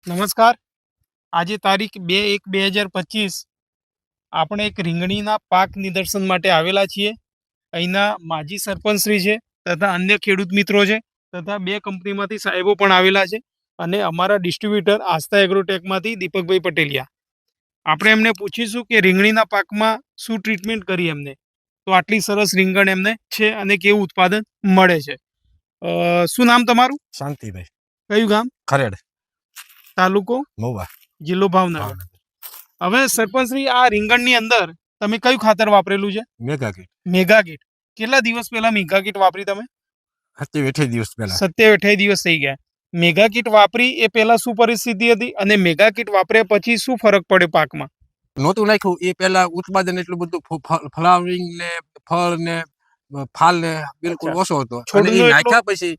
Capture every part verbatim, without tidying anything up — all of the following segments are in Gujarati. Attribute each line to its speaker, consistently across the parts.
Speaker 1: નમસ્કાર. આજે તારીખ બે એક બે હજાર પચીસ આપણે એક રીંગણીના પાક નિદર્શન માટે આવેલા છીએ. અહીંના માજી સરપંચશ્રી છે તથા અન્ય ખેડૂત મિત્રો છે તથા બે કંપનીમાંથી સાહેબો પણ આવેલા છે અને અમારા ડિસ્ટ્રીબ્યુટર આસ્થા એગ્રોટેકમાંથી દીપકભાઈ પટેલિયા. આપણે એમને પૂછીશું કે રીંગણીના પાકમાં શું ટ્રીટમેન્ટ કરી એમને, તો આટલી સરસ રીંગણ એમને છે અને કેવું ઉત્પાદન મળે છે. અ, શું નામ તમારું?
Speaker 2: શાંતિભાઈ.
Speaker 1: કયું ગામ?
Speaker 2: ખરેડ.
Speaker 1: તાલુકો?
Speaker 2: મહુવા.
Speaker 1: જિલ્લો ભાવનગર. હવે સરપંચશ્રી, આ રીંગણની અંદર તમે કયું ખાતર વાપરેલું છે?
Speaker 2: Mega kit.
Speaker 1: Mega kit. કેટલા દિવસ પહેલા મેગા કીટ વાપરી તમે?
Speaker 2: સત્યાવીસ અઠ્યાવીસ દિવસ પહેલા.
Speaker 1: સત્યાવીસ અઠ્યાવીસ દિવસ થઈ ગયા. મેગા કીટ વાપરી એ પહેલા શું પરિસ્થિતિ હતી અને મેગા કીટ વાપર્યા પછી શું ફરક પડે પાકમાં?
Speaker 2: નહોતું નાખ્યું એ પહેલા ઉત્પાદન એટલું બધું ફ્લાવરિંગ ને ફળ ને ફાલ ને બિલકુલ ઓછો હતો. અને એ નાખ્યા પછી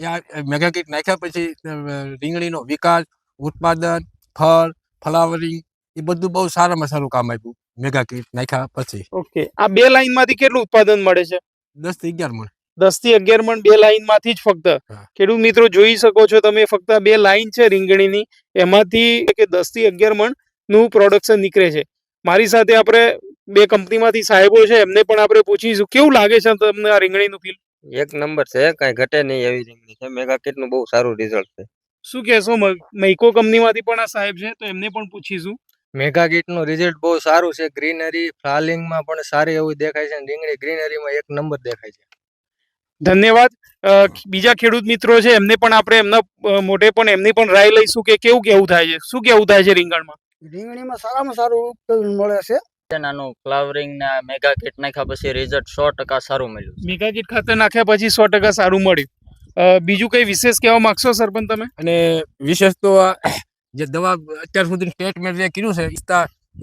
Speaker 2: મેગા કીટ નાખ્યા પછી રીંગણીનો વિકાસ, ઉત્પાદન, ફળ, ફ્લાવરિંગ એ બધું બહુ સારામાં સારું કામ આપ્યું મેગા કીટ નાખ્યા પછી.
Speaker 1: ઓકે, આ બે લાઈન માંથી કેટલું ઉત્પાદન મળે છે?
Speaker 2: દસ થી અગિયાર મણ.
Speaker 1: દસ થી અગિયાર મણ બે લાઈન માંથી જ ફક્ત. ખેડૂત મિત્રો જોઈ શકો છો તમે, ફક્ત બે લાઈન છે રીંગણીની, એમાંથી કે દસ થી અગિયાર મણ નું પ્રોડક્શન નીકળે છે. મારી સાથે આપણે બે કંપનીમાંથી સાહેબો છે, એમને પણ આપણે પૂછીશું કેવું લાગે છે તમને આ રીંગણીનું ફીલ?
Speaker 3: એક નંબર છે, કઈ ઘટે નહીં એવી રીંગણી છે. મેગા કીટ નું બહુ સારું રિઝલ્ટ છે.
Speaker 1: શું કહેશો? મૈકો કંપનીમાંથી પણ આ સાહેબ છે, તો એમને પણ પૂછીશું.
Speaker 3: મેગા કીટ નું રિઝલ્ટ બહુ સારું છે. ગ્રીનરી ફ્લાવરિંગ માં પણ સારી એવું દેખાય છે. રીંગણી ગ્રીનરી માં એક નંબર દેખાય છે.
Speaker 1: ધન્યવાદ. બીજા ખેડૂત મિત્રો છે, એમને પણ આપણે એમના મોઢે પણ એમની પણ રાય લઈશું કે કેવું કેવું થાય છે, શું કેવું થાય છે રીંગણમાં?
Speaker 4: રીંગણીમાં સારામાં સારું ઉત્પાદન મળે છે.
Speaker 3: નાનું ફ્લાવરિંગ ના મેગા કીટ નાખ્યા પછી રિઝલ્ટ સો ટકા સારું મળ્યું.
Speaker 1: મેગા કીટ ખાતર નાખ્યા પછી સો ટકા સારું મળ્યું. બીજું કઈ વિશેષ કહેવા માંગશો સરપંચ તમે?
Speaker 2: અને વિશેષ તો જે દવા અત્યાર સુધી સ્ટેટમેન્ટ જે કીધું છે, ઇસ્તા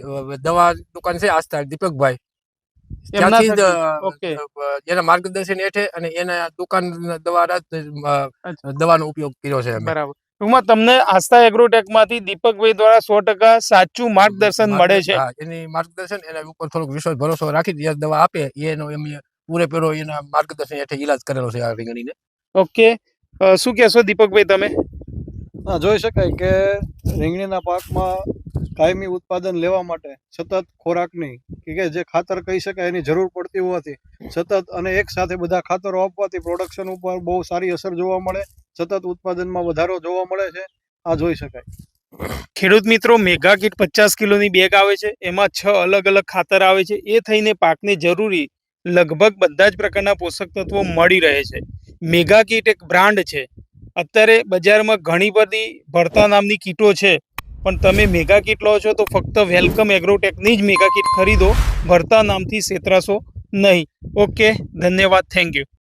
Speaker 2: દવા દુકાન છે આસ્થા દીપકભાઈ, ત્યાંથી જ એના માર્ગદર્શન હેઠે અને એના દુકાન દ્વારા દવાનો ઉપયોગ કર્યો છે.
Speaker 1: બરાબર. ટૂંકમાં તમને આસ્થા એગ્રોટેક માંથી દીપકભાઈ દ્વારા સો ટકા સાચું માર્ગદર્શન મળે છે.
Speaker 2: એની માર્ગદર્શન એના ઉપર થોડોક વિશ્વાસ ભરોસો રાખી દવા આપે એનો એમ પૂરેપૂરો એના માર્ગદર્શન હેઠળ ઈલાજ કરેલો છે આ રીંગણીને. ઓકે,
Speaker 1: શું કહેશો દીપકભાઈ તમે?
Speaker 5: જોઈ શકાય કે રીંગણીના પાકમાં કાયમી ઉત્પાદન લેવા માટે સતત ખોરાકની કે જે ખાતર કહી શકાય એની જરૂર પડતી હોવાથી સતત અને એક સાથે બધા ખાતરો આપવાથી પ્રોડક્શન ઉપર બહુ સારી અસર જોવા મળે, સતત ઉત્પાદનમાં વધારો જોવા મળે છે. આ જોઈ શકાય.
Speaker 1: ખેડૂત મિત્રો, મેગા કીટ પચાસ કિલોની બેગ આવે છે, એમાં છ અલગ અલગ ખાતર આવે છે. એ થઈને પાકને જરૂરી લગભગ બધા જ પ્રકારના પોષક તત્વો મળી રહે છે. મેગા કીટ એક બ્રાન્ડ છે. અત્યારે બજારમાં ઘણી બધી ભરતા નામની કીટો છે, પણ તમે મેગા કીટ લો છો તો ફક્ત વેલકમ એગ્રોટેકની જ મેગા કીટ ખરીદો, ભરતા નામથી છેતરાશો નહીં. ઓકે, ધન્યવાદ, થેન્ક યુ.